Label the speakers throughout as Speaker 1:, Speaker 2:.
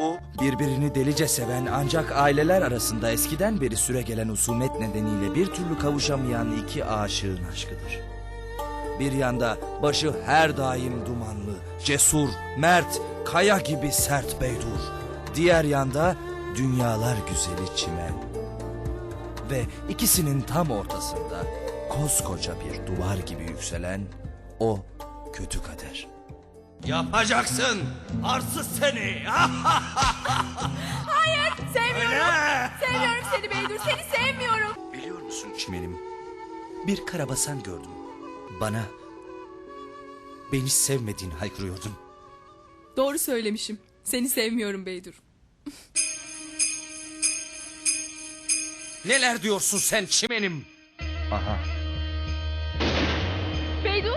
Speaker 1: Bu, birbirini delice seven ancak aileler arasında eskiden beri süregelen husumet nedeniyle bir türlü kavuşamayan iki aşığın aşkıdır. Bir yanda başı her daim dumanlı, cesur, mert, kaya gibi sert Beydur. Diğer yanda dünyalar güzeli Çimen. Ve ikisinin tam ortasında koskoca bir duvar gibi yükselen o kötü kader. Yapacaksın arsız seni.
Speaker 2: Hayır, sevmiyorum.
Speaker 1: Öyle.
Speaker 2: Sevmiyorum seni Beydur, seni sevmiyorum.
Speaker 1: Biliyor musun Çimenim? Bir karabasan gördüm. Beni sevmediğini haykırıyordun.
Speaker 2: Doğru söylemişim. Seni sevmiyorum Beydur.
Speaker 1: Neler diyorsun sen Çimenim? Aha.
Speaker 2: Beydur?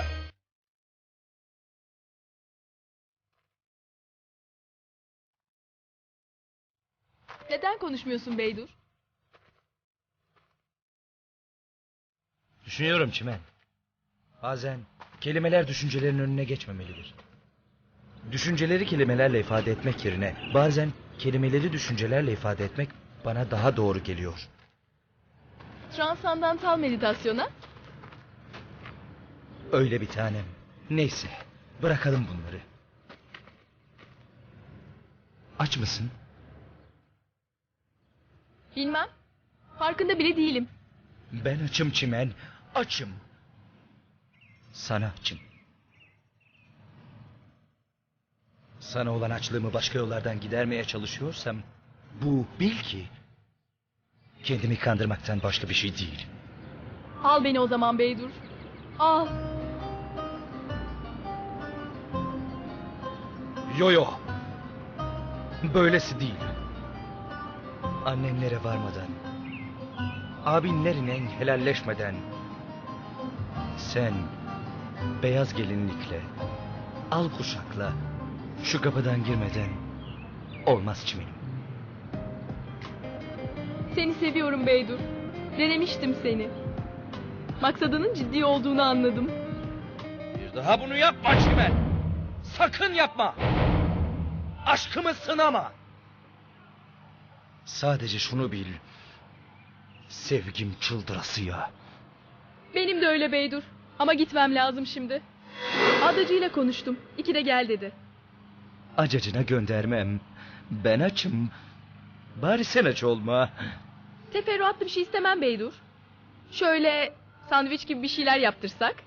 Speaker 2: Neden konuşmuyorsun Beydur?
Speaker 3: Düşünüyorum Çimen. Bazen kelimeler düşüncelerin önüne geçmemelidir. Düşünceleri kelimelerle ifade etmek yerine bazen kelimeleri düşüncelerle ifade etmek bana daha doğru geliyor.
Speaker 2: Transandantal meditasyona?
Speaker 3: Öyle bir tanem. Neyse, bırakalım bunları. Aç mısın?
Speaker 2: Bilmem. Farkında bile değilim.
Speaker 3: Ben açım Çimen, açım. Sana açım. Sana olan açlığımı başka yollardan gidermeye çalışıyorsam, bu bil ki kendimi kandırmaktan başka bir şey değil.
Speaker 2: Al beni o zaman Beydur. Al.
Speaker 3: Yo. Böylesi değil. Annenlere varmadan, abinlerine helalleşmeden, sen beyaz gelinlikle, al kuşakla şu kapıdan girmeden olmaz Çimenim.
Speaker 2: Seni seviyorum Beydur. Denemiştim seni. Maksadının ciddi olduğunu anladım.
Speaker 3: Bir daha bunu yapma Çimen. Sakın yapma. Aşkımı sınama. Sadece şunu bil. Sevgim çıldırasıya.
Speaker 2: Benim de öyle Beydur. Ama gitmem lazım şimdi. Adacıyla konuştum. 2'de gel dedi.
Speaker 3: Acacına göndermem. Ben açım. Bari sen aç olma.
Speaker 2: Teferruatlı bir şey istemem Beydur. Şöyle sandviç gibi bir şeyler yaptırsak.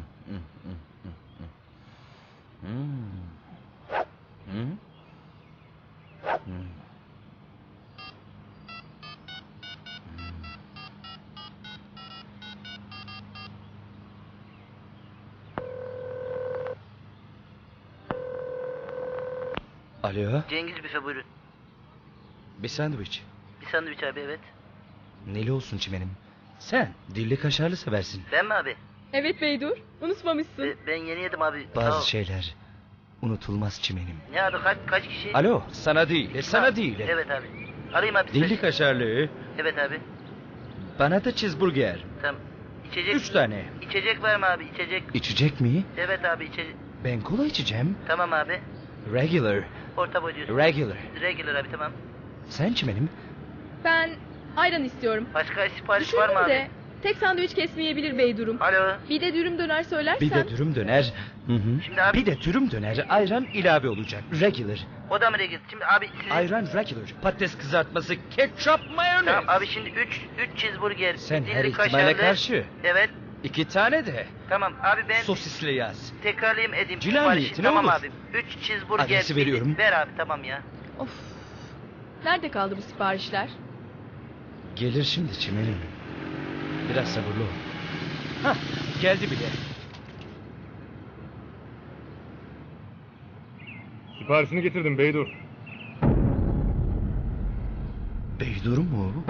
Speaker 3: Alo,
Speaker 4: Cengiz büfe buyurun.
Speaker 3: bir sandviç.
Speaker 4: Bir sandviç abi, evet.
Speaker 3: Neli olsun Çimenim? Sen dilli kaşarlı seversin.
Speaker 4: Ben mi abi?
Speaker 2: Evet Beydur. Unutmamışsın.
Speaker 4: Ben yeni yedim abi. Sağ ol.
Speaker 3: Bazı şeyler unutulmaz Çimenim.
Speaker 4: Ne abi, kaç kişi?
Speaker 3: Alo, sana değil, sana
Speaker 4: Ha,
Speaker 3: değil.
Speaker 4: Evet abi. Arayayım abi.
Speaker 3: Dilli kaşarlı,
Speaker 4: Evet abi.
Speaker 3: bana da cheeseburger.
Speaker 4: Tamam. İçecek.
Speaker 3: 3 tane.
Speaker 4: İçecek var mı abi? İçecek.
Speaker 3: İçecek mi?
Speaker 4: Evet abi, içecek.
Speaker 3: Ben kola içeceğim.
Speaker 4: Tamam abi.
Speaker 3: Regular,
Speaker 4: Orta boy diyorsun.
Speaker 3: regular.
Speaker 4: Regular abi, tamam.
Speaker 3: Sen Çimenim?
Speaker 2: Ben ayran istiyorum.
Speaker 4: Başka sipariş var mı
Speaker 2: Düşündüm
Speaker 4: abi?
Speaker 2: de tek sandviç kesmeyebilir Beydurum.
Speaker 4: Alo.
Speaker 2: Bir de dürüm döner söylersen.
Speaker 3: Bir de dürüm döner. Hı.
Speaker 4: Şimdi abi-
Speaker 3: Bir de dürüm döner, ayran ilave olacak. Regular.
Speaker 4: O da mı regular? Şimdi abi sizin...
Speaker 3: Ayran regular. Patates kızartması, ketçap, mayonez.
Speaker 4: Tamam abi, şimdi 3 cheeseburger.
Speaker 3: Sen
Speaker 4: dilli
Speaker 3: her ihtimale
Speaker 4: kaşarlı.
Speaker 3: karşı.
Speaker 4: Evet.
Speaker 3: 2 tane de
Speaker 4: Tamam abi, ben
Speaker 3: sosisli yaz.
Speaker 4: tekrarlayayım edeyim.
Speaker 3: Cila
Speaker 4: siparişi.
Speaker 3: niyetine
Speaker 4: Tamam
Speaker 3: olur.
Speaker 4: abi. 3 cheeseburger.
Speaker 3: Adresi veriyorum.
Speaker 4: Ver abi, tamam ya.
Speaker 2: Of. Nerede kaldı bu siparişler?
Speaker 3: Gelir şimdi Çimenim. Biraz sabırlı ol. Hah, geldi bile.
Speaker 5: Siparişini getirdim Beydur.
Speaker 3: Beydur mu?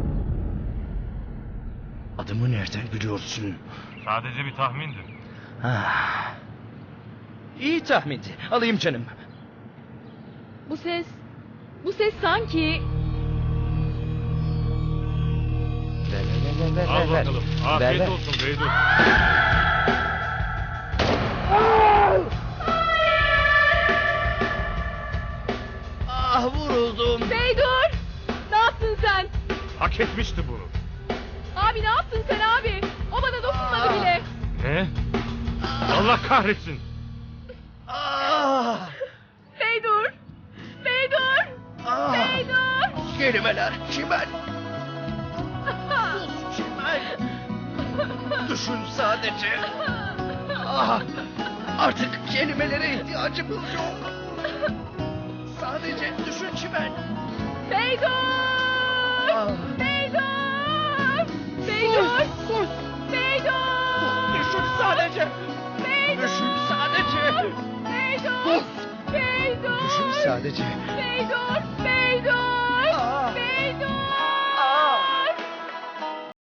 Speaker 3: Adımı nereden biliyorsun?
Speaker 5: Sadece bir tahmindi.
Speaker 3: Ah. İyi tahmindi. Alayım canım.
Speaker 2: Bu ses sanki...
Speaker 3: Ver.
Speaker 5: Al bakalım. Afiyet
Speaker 3: ver.
Speaker 5: olsun Beydur.
Speaker 3: vuruldum.
Speaker 2: Beydur! Ne yaptın sen?
Speaker 5: Hak etmişti bunu.
Speaker 2: Abi ne yaptın sen abi? O bana dokunmadı bile.
Speaker 5: Ne? Allah kahretsin.
Speaker 2: Beydur! Beydur! Beydur!
Speaker 3: Kelimeler çimen. Sus çimen. Düşün sadece. Artık kelimelere ihtiyacımız yok. Sadece düşün çimen.
Speaker 2: Beydur! Beydur! Beydur!
Speaker 3: Sus.
Speaker 2: Beydur!
Speaker 3: Düşün sadece.
Speaker 2: Beydur!
Speaker 3: Düşün sadece.
Speaker 2: Beydur! Beydur!
Speaker 3: Düşün sadece.
Speaker 2: Beydur!